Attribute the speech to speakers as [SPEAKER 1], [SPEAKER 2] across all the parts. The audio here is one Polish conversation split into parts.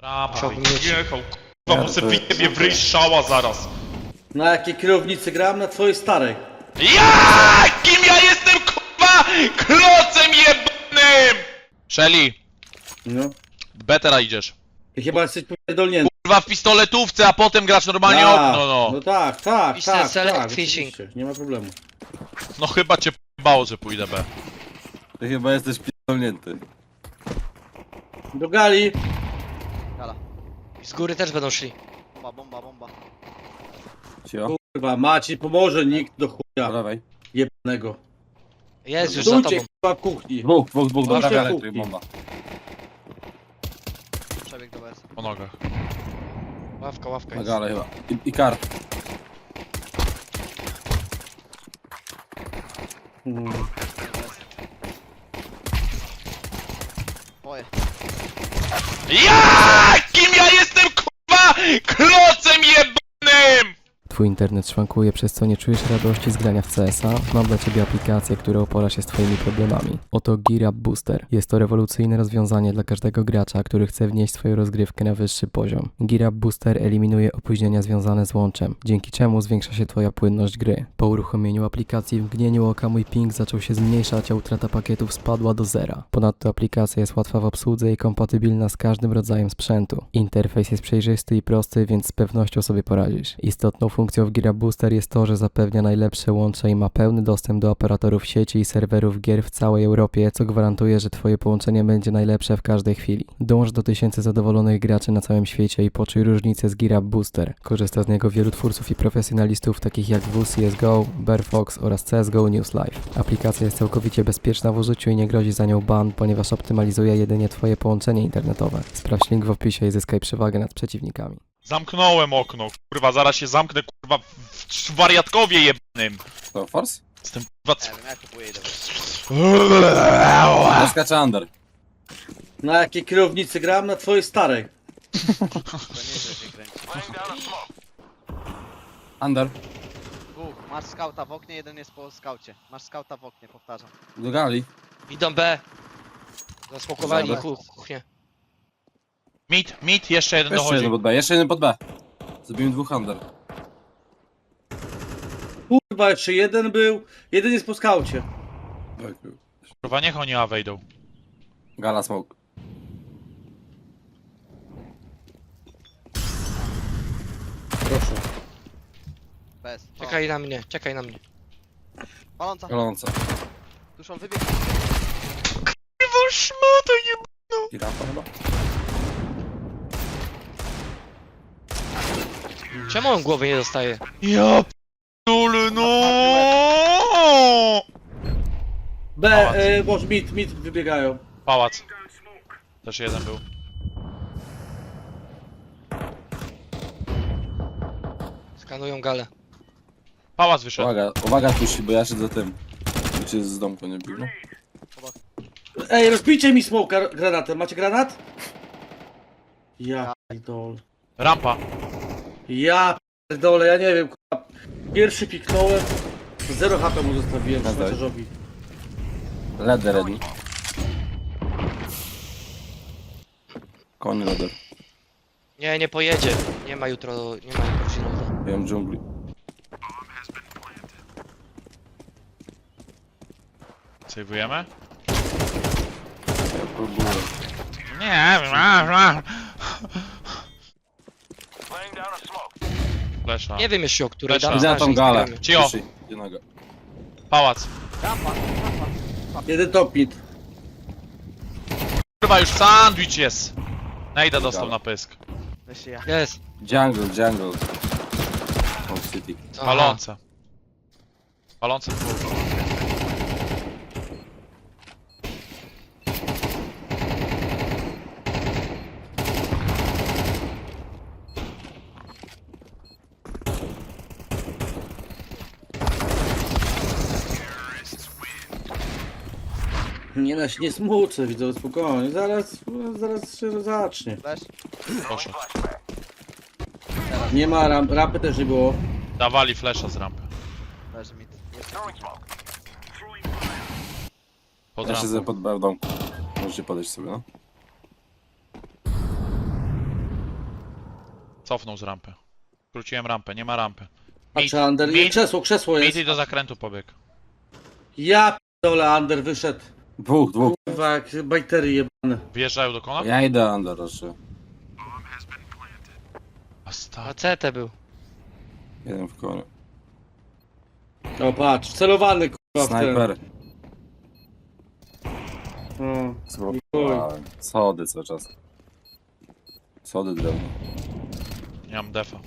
[SPEAKER 1] Jechał, kurwa, bo sobie wyjebie w ryj strzała zaraz.
[SPEAKER 2] Na jakiej kierownicy gram? Na twojej starej.
[SPEAKER 1] Ja! Kim ja jestem, kurwa? Klocem jebanym! Shelly,
[SPEAKER 2] No.
[SPEAKER 1] betera idziesz.
[SPEAKER 2] Ty chyba jesteś popierdolnięty.
[SPEAKER 1] Kurwa w pistoletówce, a potem grasz normalnie okno, no.
[SPEAKER 2] No tak, tak,
[SPEAKER 3] Mr.
[SPEAKER 2] tak,
[SPEAKER 3] Select
[SPEAKER 2] tak,
[SPEAKER 3] Fishing.
[SPEAKER 2] oczywiście, nie ma problemu.
[SPEAKER 1] No chyba cię p***bało, że pójdę B.
[SPEAKER 4] Ty chyba jesteś pierdolnięty.
[SPEAKER 2] Do gali.
[SPEAKER 3] Gala. Z góry też będą szli.
[SPEAKER 5] Bomba.
[SPEAKER 4] Cio,
[SPEAKER 2] Kurwa, Maciej pomoże, nikt do chuja
[SPEAKER 4] dawaj.
[SPEAKER 2] jebanego.
[SPEAKER 3] Jest już za
[SPEAKER 2] Stójcie
[SPEAKER 3] tobą.
[SPEAKER 2] chyba w kuchni.
[SPEAKER 4] Dwóch,
[SPEAKER 2] Chodźcie
[SPEAKER 4] dobra,
[SPEAKER 2] w
[SPEAKER 4] elektryk,
[SPEAKER 2] kuchni.
[SPEAKER 4] bomba.
[SPEAKER 5] Przebieg do BS.
[SPEAKER 1] Po nogach.
[SPEAKER 3] Ławka
[SPEAKER 4] Na
[SPEAKER 3] jest.
[SPEAKER 4] galę chyba. I kart.
[SPEAKER 5] Moje.
[SPEAKER 1] Ja! Kim ja jestem, kurwa? Klocem jebanym!
[SPEAKER 6] Twój internet szwankuje, przez co nie czujesz radości z grania w CS-a? Mam dla Ciebie aplikację, która upora się z Twoimi problemami. Oto Gear Up Booster. Jest to rewolucyjne rozwiązanie dla każdego gracza, który chce wnieść swoją rozgrywkę na wyższy poziom. Gear Up Booster eliminuje opóźnienia związane z łączem, dzięki czemu zwiększa się Twoja płynność gry. Po uruchomieniu aplikacji w mgnieniu oka mój ping zaczął się zmniejszać, a utrata pakietów spadła do zera. Ponadto aplikacja jest łatwa w obsłudze i kompatybilna z każdym rodzajem sprzętu. Interfejs jest przejrzysty i prosty, więc z pewnością sobie poradzisz. Istotną funkcją w Gear Up Booster jest to, że zapewnia najlepsze łącze i ma pełny dostęp do operatorów sieci i serwerów gier w całej Europie, co gwarantuje, że Twoje połączenie będzie najlepsze w każdej chwili. Dąż do tysięcy zadowolonych graczy na całym świecie i poczuj różnicę z Gear Up Booster. Korzysta z niego wielu twórców i profesjonalistów takich jak WCSGO, Bearfox oraz CSGO News Live. Aplikacja jest całkowicie bezpieczna w użyciu i nie grozi za nią ban, ponieważ optymalizuje jedynie Twoje połączenie internetowe. Sprawdź link w opisie i zyskaj przewagę nad przeciwnikami.
[SPEAKER 1] Zamknąłem okno, kurwa, zaraz się zamknę, kurwa, w wariatkowie jebanym.
[SPEAKER 4] To force?
[SPEAKER 1] Jestem, kurwa,
[SPEAKER 5] Nie wiem, ja kupuję idę.
[SPEAKER 4] Zaskacza under.
[SPEAKER 2] Na jakiej kierownicy gram? Na twojej starej.
[SPEAKER 5] To nie, że się kręci.
[SPEAKER 4] Under.
[SPEAKER 5] Dwóch. Masz skauta w oknie, jeden jest po skaucie. Masz skauta w oknie, powtarzam.
[SPEAKER 4] Do gali.
[SPEAKER 3] Idą B. Zasmokowali
[SPEAKER 4] Dobra.
[SPEAKER 3] kuchnię.
[SPEAKER 1] Mit, jeszcze jeden
[SPEAKER 4] Jeszcze
[SPEAKER 1] dochodzi.
[SPEAKER 4] jeden pod B, jeszcze jeden pod B. Zrobimy dwóch under.
[SPEAKER 2] Kurwa, jeszcze jeden był. Jeden jest po skaucie.
[SPEAKER 1] Kurwa, niech oni A wejdą.
[SPEAKER 4] Gala smoke.
[SPEAKER 2] Proszę.
[SPEAKER 5] BS.
[SPEAKER 3] Czekaj na mnie, czekaj na mnie.
[SPEAKER 5] Paląca.
[SPEAKER 4] Goląca.
[SPEAKER 5] Tuszą wybieg.
[SPEAKER 1] Kurwa, szmato jeb...
[SPEAKER 4] I rampa chyba?
[SPEAKER 3] Czemu on głowy nie dostaje?
[SPEAKER 1] Ja p***ule, no!
[SPEAKER 2] B, może mit wybiegają.
[SPEAKER 1] Pałac. Też jeden był.
[SPEAKER 3] Skanują galę.
[SPEAKER 1] Pałac wyszedł.
[SPEAKER 4] Uwaga tusi, bo ja siedzę tym. Czy z domku nie biegną?
[SPEAKER 2] Ej, rozbijcie mi smoka granatem. Macie granat? Ja pierdolę.
[SPEAKER 1] Rampa.
[SPEAKER 2] Ja pierdolę, ja nie wiem, kurwa. Pierwszy piknąłem. 0 HP mu zostawiłem,
[SPEAKER 4] Dawaj.
[SPEAKER 2] szmaciarzowi.
[SPEAKER 4] Ladder ready. Koń ladder.
[SPEAKER 3] Nie pojedzie. Nie ma jutro Ginoza.
[SPEAKER 4] Ja mam dżungli.
[SPEAKER 1] Sejwujemy?
[SPEAKER 4] Ja próbuję.
[SPEAKER 1] Nie, Flesza.
[SPEAKER 3] Nie wiem jeszcze o której
[SPEAKER 1] Flesza.
[SPEAKER 3] dam
[SPEAKER 4] Idę na tą
[SPEAKER 3] znać,
[SPEAKER 4] galę.
[SPEAKER 3] nie
[SPEAKER 1] Cio.
[SPEAKER 4] Tusi, idzie noga.
[SPEAKER 1] Pałac.
[SPEAKER 5] Rampa.
[SPEAKER 2] Jeden top mid.
[SPEAKER 1] Kurwa, już sandwich jest. Nejda dostał na pysk.
[SPEAKER 5] Weź ja.
[SPEAKER 3] Jest.
[SPEAKER 4] Jungle. Off City.
[SPEAKER 3] Aha.
[SPEAKER 1] Palące. Palące dwóch.
[SPEAKER 2] Nie, nie smucę, widzę, spokojnie. Zaraz się zacznie.
[SPEAKER 5] Flash.
[SPEAKER 1] Proszę.
[SPEAKER 2] Nie ma rampy też nie było.
[SPEAKER 1] Dawali flesza z rampy.
[SPEAKER 5] Flash mid.
[SPEAKER 1] Pod
[SPEAKER 4] Ja
[SPEAKER 1] rampą.
[SPEAKER 4] siedzę pod B w domku. Możecie podejść sobie, no.
[SPEAKER 1] Cofnął z rampy. Skróciłem rampę, nie ma rampy.
[SPEAKER 2] Patrzę, Under.
[SPEAKER 1] Mid-
[SPEAKER 2] Krzesło jest.
[SPEAKER 1] Mid i do zakrętu pobiegł.
[SPEAKER 2] Ja p***dolę, Under wyszedł.
[SPEAKER 4] Dwóch.
[SPEAKER 2] Kurwa, jak bajtery jebane.
[SPEAKER 1] Wjeżdżają do kona?
[SPEAKER 4] Ja idę under jeszcze.
[SPEAKER 1] A sta-
[SPEAKER 3] A CT był.
[SPEAKER 4] Jeden w konie.
[SPEAKER 2] O, patrz, celowany kurwa w ten.
[SPEAKER 4] Snajper.
[SPEAKER 2] O,
[SPEAKER 4] Zblokowałem. Schody cały czas. Schody drewno.
[SPEAKER 1] Nie mam defa.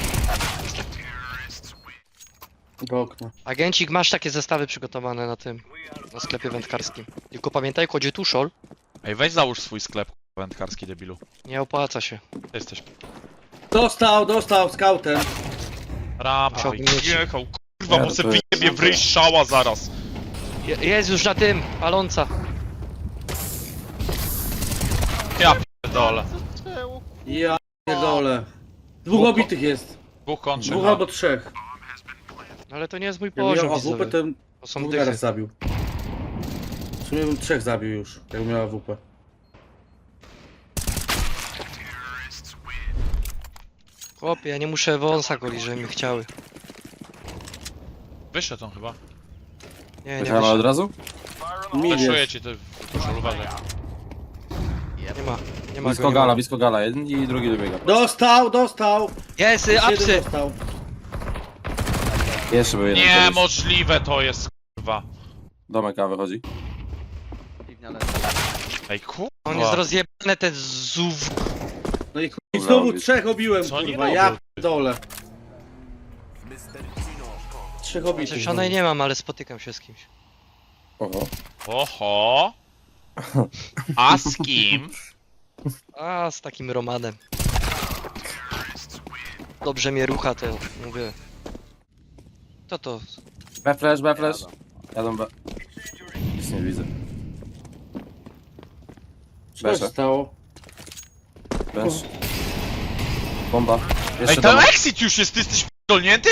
[SPEAKER 2] do okna.
[SPEAKER 3] Agencik, masz takie zestawy przygotowane na tym, na sklepie wędkarskim. Tylko pamiętaj, kodzie tuszol,
[SPEAKER 1] Ej, weź załóż swój sklep, kurwa, wędkarski debilu.
[SPEAKER 3] nie opłaca się.
[SPEAKER 1] Ty jesteś
[SPEAKER 2] Dostał scoutem.
[SPEAKER 1] rampa
[SPEAKER 3] Musiał
[SPEAKER 1] i
[SPEAKER 3] mieć-
[SPEAKER 1] jechał, kurwa,
[SPEAKER 4] Nie,
[SPEAKER 1] bo se
[SPEAKER 4] to jest
[SPEAKER 1] wyjebie w ryj
[SPEAKER 4] super.
[SPEAKER 1] szała zaraz.
[SPEAKER 3] Jest już na tym, paląca.
[SPEAKER 1] Ja pierdolę.
[SPEAKER 2] Ja pierdolę. Dwóch obitych jest.
[SPEAKER 1] Dwóch kończy.
[SPEAKER 2] Dwóch albo trzech.
[SPEAKER 3] Ale to nie jest mój
[SPEAKER 2] Jakbym
[SPEAKER 3] poziom,
[SPEAKER 2] miał AWP,
[SPEAKER 3] widzowie.
[SPEAKER 2] to
[SPEAKER 3] To są
[SPEAKER 2] bym
[SPEAKER 3] dychy.
[SPEAKER 2] teraz zabił. W sumie bym trzech zabił już, jakbym miał AWP.
[SPEAKER 3] Chłopie, ja nie muszę wąsa golić, żeby mi chciały.
[SPEAKER 1] Wyszedł on chyba.
[SPEAKER 3] Nie
[SPEAKER 4] Wysiadamy od
[SPEAKER 3] wyszedł.
[SPEAKER 4] razu?
[SPEAKER 2] Mid
[SPEAKER 1] Fleszuję
[SPEAKER 2] jest.
[SPEAKER 1] ci ty, proszę uważaj.
[SPEAKER 3] Nie ma
[SPEAKER 4] Blisko
[SPEAKER 3] go.
[SPEAKER 4] gala, blisko gala. Jeden i drugi dobiega.
[SPEAKER 2] Dostał!
[SPEAKER 3] Jest,
[SPEAKER 2] Jeden
[SPEAKER 3] apsy!
[SPEAKER 2] dostał.
[SPEAKER 4] Jeszcze był jeden. koleś.
[SPEAKER 1] Niemożliwe to jest, kurwa.
[SPEAKER 4] Domek A wychodzi.
[SPEAKER 5] Piwnia leży.
[SPEAKER 1] Ej, kurwa.
[SPEAKER 3] On jest rozjebane, te zuw...
[SPEAKER 2] No i
[SPEAKER 4] Dobra,
[SPEAKER 2] znowu
[SPEAKER 4] robisz.
[SPEAKER 2] trzech obiłem,
[SPEAKER 1] Co oni
[SPEAKER 2] kurwa,
[SPEAKER 1] robią?
[SPEAKER 2] ja dole. Trzech obitych.
[SPEAKER 3] Zresztą nie mam, ale spotykam się z kimś.
[SPEAKER 4] Oho.
[SPEAKER 1] Oho. A z kim?
[SPEAKER 3] A, z takim Romanem. Dobrze mnie rucha, to mówię. Co to?
[SPEAKER 4] B flash. Jadą B. Nic nie widzę.
[SPEAKER 2] Co się
[SPEAKER 4] Besze.
[SPEAKER 2] stało?
[SPEAKER 4] Bench. Bomba.
[SPEAKER 1] Ej,
[SPEAKER 4] Jeszcze
[SPEAKER 1] ten
[SPEAKER 4] domek.
[SPEAKER 1] exit już jest, ty jesteś p***dolnięty?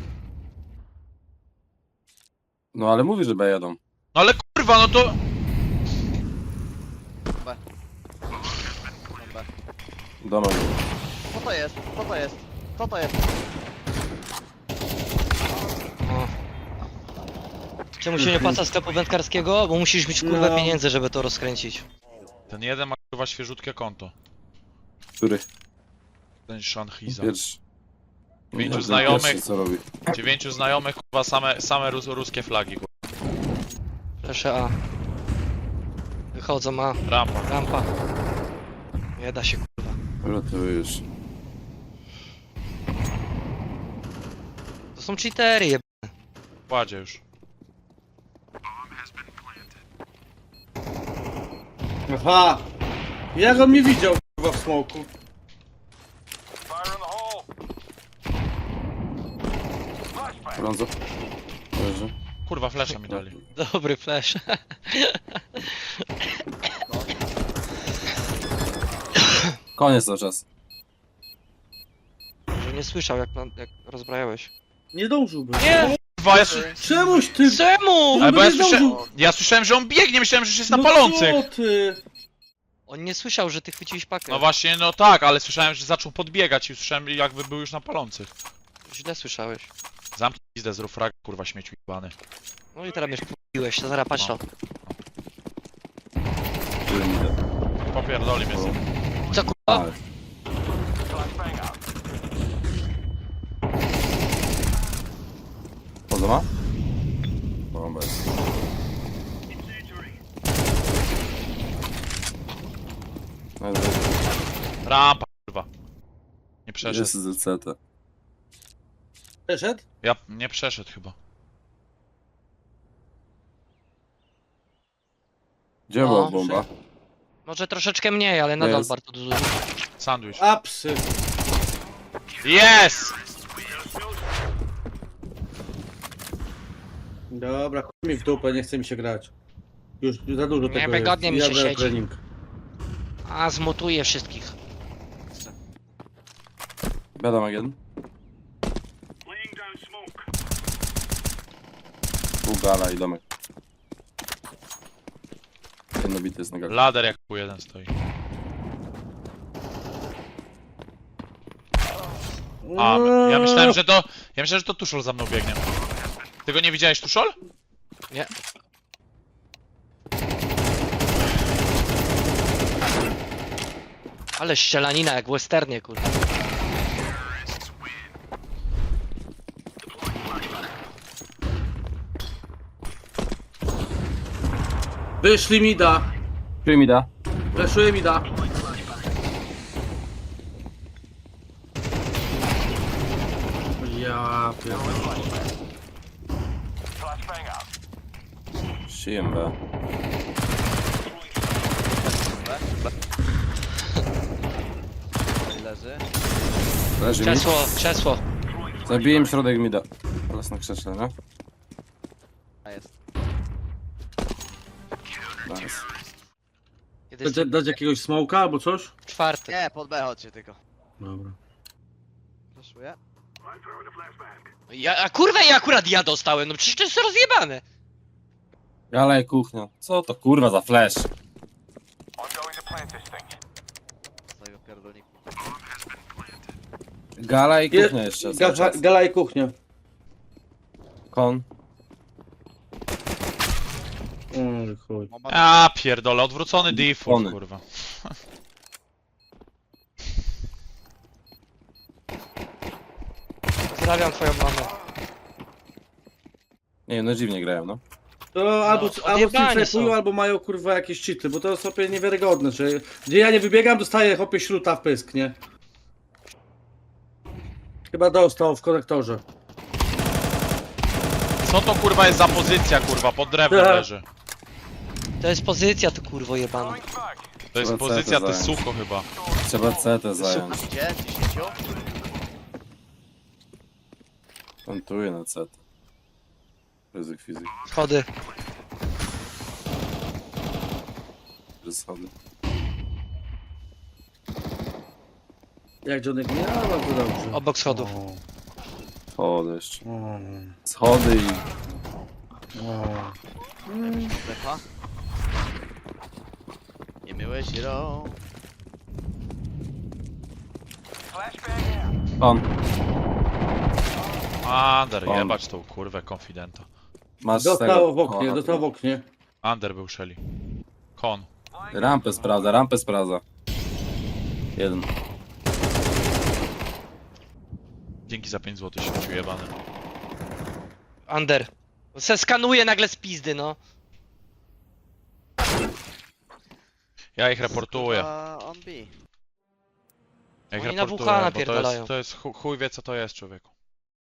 [SPEAKER 4] No ale mówi, że B jadą.
[SPEAKER 1] No ale kurwa, no to...
[SPEAKER 5] Dobra.
[SPEAKER 4] Domek.
[SPEAKER 5] Co to jest? Co to jest? Co to jest?
[SPEAKER 3] O. Czemu się nie opłaca sklepu wędkarskiego? Bo musisz mieć kurwę
[SPEAKER 2] No.
[SPEAKER 3] pieniędzy, żeby to rozkręcić.
[SPEAKER 1] Ten jeden ma kurwa świeżutkie konto.
[SPEAKER 4] Który?
[SPEAKER 1] Ten Shanhiza.
[SPEAKER 4] Pierwszy.
[SPEAKER 1] Pięciu
[SPEAKER 4] Nie, ten
[SPEAKER 1] znajomych.
[SPEAKER 4] pierwszy, co robi?
[SPEAKER 1] 9 znajomych, kurwa, same ruskie flagi, kurwa.
[SPEAKER 3] Proszę A. Wychodzą A.
[SPEAKER 1] Rampa.
[SPEAKER 3] Rampa. Nie da się kurwa.
[SPEAKER 4] Rotuję już.
[SPEAKER 3] To są cheatery jeb...
[SPEAKER 1] Kładzie już.
[SPEAKER 2] Aha! Jak on mnie widział, kurwa, w smoku?
[SPEAKER 4] Brązo. Leży.
[SPEAKER 1] Kurwa, flesza mi dali.
[SPEAKER 3] Dobry flash.
[SPEAKER 4] Koniec cały czas.
[SPEAKER 3] Że nie słyszał jak rozbrajałeś.
[SPEAKER 2] Nie dążyłbym.
[SPEAKER 3] Nie!
[SPEAKER 1] Kurwa,
[SPEAKER 2] Czemuś ty...
[SPEAKER 3] Czemu?
[SPEAKER 1] Ale bo ja,
[SPEAKER 2] nie zdążył.
[SPEAKER 1] ja słyszałem, że on biegnie, myślałem, że już jest na
[SPEAKER 2] No
[SPEAKER 1] palących.
[SPEAKER 2] co ty?
[SPEAKER 3] On nie słyszał, że ty chwyciłeś pakę.
[SPEAKER 1] No właśnie, no tak, ale słyszałem, że zaczął podbiegać i słyszałem, jakby był już na palących.
[SPEAKER 3] Źle słyszałeś.
[SPEAKER 1] Zamknij pizdę, zrób frag, kurwa, śmieciu jebany.
[SPEAKER 3] No i teraz mnie wpiłeś, to zaraz patrz to.
[SPEAKER 4] Tyle mi da.
[SPEAKER 1] Popierdoli mnie sobie.
[SPEAKER 3] Co kurwa?
[SPEAKER 4] Ale. Poza ma? Bomba jest. No jest.
[SPEAKER 1] Rampa, kurwa. Nie przeszedł.
[SPEAKER 4] Jest z CT.
[SPEAKER 2] Przeszedł?
[SPEAKER 1] Ja nie przeszedł chyba.
[SPEAKER 4] Gdzie
[SPEAKER 3] No,
[SPEAKER 4] była bomba?
[SPEAKER 3] Może troszeczkę mniej, ale nadal
[SPEAKER 4] Jest.
[SPEAKER 3] bardzo dużo.
[SPEAKER 1] Sandwich.
[SPEAKER 2] Apsy.
[SPEAKER 1] Yes!
[SPEAKER 2] Dobra, chuj mi w dupę, nie chce mi się grać. Już za dużo tego jest.
[SPEAKER 3] Niewygodnie mi się
[SPEAKER 2] Jadę na
[SPEAKER 3] siedzi.
[SPEAKER 2] trening.
[SPEAKER 3] A, zmutuję wszystkich.
[SPEAKER 4] Wiadomo jeden. Pół gala i domek. Jedno bity jest na gali.
[SPEAKER 1] Lader jak pół jeden stoi. A, ja myślałem, że to Tuszol za mną biegnie. Ty go nie widziałeś, Tuszol?
[SPEAKER 3] Nie. Ale ścielanina jak w westernie, kurwa.
[SPEAKER 2] Wyszli mi da.
[SPEAKER 4] Który mi da?
[SPEAKER 2] Fleszuje mi da. Ja pierdolę.
[SPEAKER 4] Szyjem B.
[SPEAKER 5] Leży.
[SPEAKER 4] Leży mi.
[SPEAKER 3] Krzesło, krzesło.
[SPEAKER 4] Zabiłem środek mi da. Teraz na krześle, nie?
[SPEAKER 5] A jest.
[SPEAKER 4] Nice.
[SPEAKER 3] Kiedyś
[SPEAKER 2] Dać jakiegoś smoka albo coś?
[SPEAKER 3] czwarty.
[SPEAKER 5] Nie, pod B chodźcie tylko.
[SPEAKER 2] Dobra.
[SPEAKER 5] Flashuję.
[SPEAKER 3] A kurwa, ja dostałem, no przecież to jest rozjebane.
[SPEAKER 4] Gala i kuchnia. Co to kurwa za flash?
[SPEAKER 5] Z tego pierdolniku.
[SPEAKER 4] Gala i kuchnia jeszcze. cały czas.
[SPEAKER 2] Gala i kuchnia.
[SPEAKER 4] Kon.
[SPEAKER 2] Chuj.
[SPEAKER 5] Bomba
[SPEAKER 1] A pierdolę, odwrócony default,
[SPEAKER 4] Ony.
[SPEAKER 1] kurwa.
[SPEAKER 3] Pozdrawiam twoją mamę.
[SPEAKER 4] Nie wiem, no dziwnie grają, no.
[SPEAKER 2] To albo
[SPEAKER 3] odjebani
[SPEAKER 2] stream
[SPEAKER 3] są.
[SPEAKER 2] flipują, albo mają kurwa jakieś cheaty, bo to jest sobie niewiarygodne, że gdzie ja nie wybiegam, dostaję hopie śruta w pysk, nie? Chyba dostał w konektorze.
[SPEAKER 1] Co to kurwa jest za pozycja, kurwa, pod drewnem
[SPEAKER 2] Tak.
[SPEAKER 1] leży.
[SPEAKER 3] To jest pozycja, to kurwo jebana.
[SPEAKER 1] To jest
[SPEAKER 4] Trzeba
[SPEAKER 1] pozycja,
[SPEAKER 4] CT
[SPEAKER 1] to
[SPEAKER 4] zająć.
[SPEAKER 1] suko chyba.
[SPEAKER 4] Trzeba CT zająć.
[SPEAKER 5] gdzie? 10?
[SPEAKER 4] Plantuję na CT. Ryzyk fizyk.
[SPEAKER 3] Schody.
[SPEAKER 4] Schody.
[SPEAKER 2] Jak Johnny nie, ale bardzo dobrze.
[SPEAKER 3] Obok schodów.
[SPEAKER 4] Schody jeszcze.
[SPEAKER 2] O,
[SPEAKER 4] Schody i...
[SPEAKER 2] o.
[SPEAKER 5] Lepa. Nie myłeś rąk.
[SPEAKER 4] Kon.
[SPEAKER 1] Under,
[SPEAKER 4] On.
[SPEAKER 1] jebać tą kurwę konfidenta.
[SPEAKER 4] Masz
[SPEAKER 2] Dostał w oknie,
[SPEAKER 4] Kona.
[SPEAKER 2] dostał w oknie.
[SPEAKER 1] Under był Shelly. Kon.
[SPEAKER 4] Rampę sprawdza. Jeden.
[SPEAKER 1] Dzięki za 5 zł, śmieciu jebany.
[SPEAKER 3] Under. Se skanuje nagle z pizdy, no.
[SPEAKER 1] Ja ich reportuję.
[SPEAKER 5] On B.
[SPEAKER 1] Ja ich
[SPEAKER 3] Oni na
[SPEAKER 1] reportuję,
[SPEAKER 3] WH
[SPEAKER 1] bo
[SPEAKER 3] napierdalają.
[SPEAKER 1] to jest chuj wie co to jest, człowieku.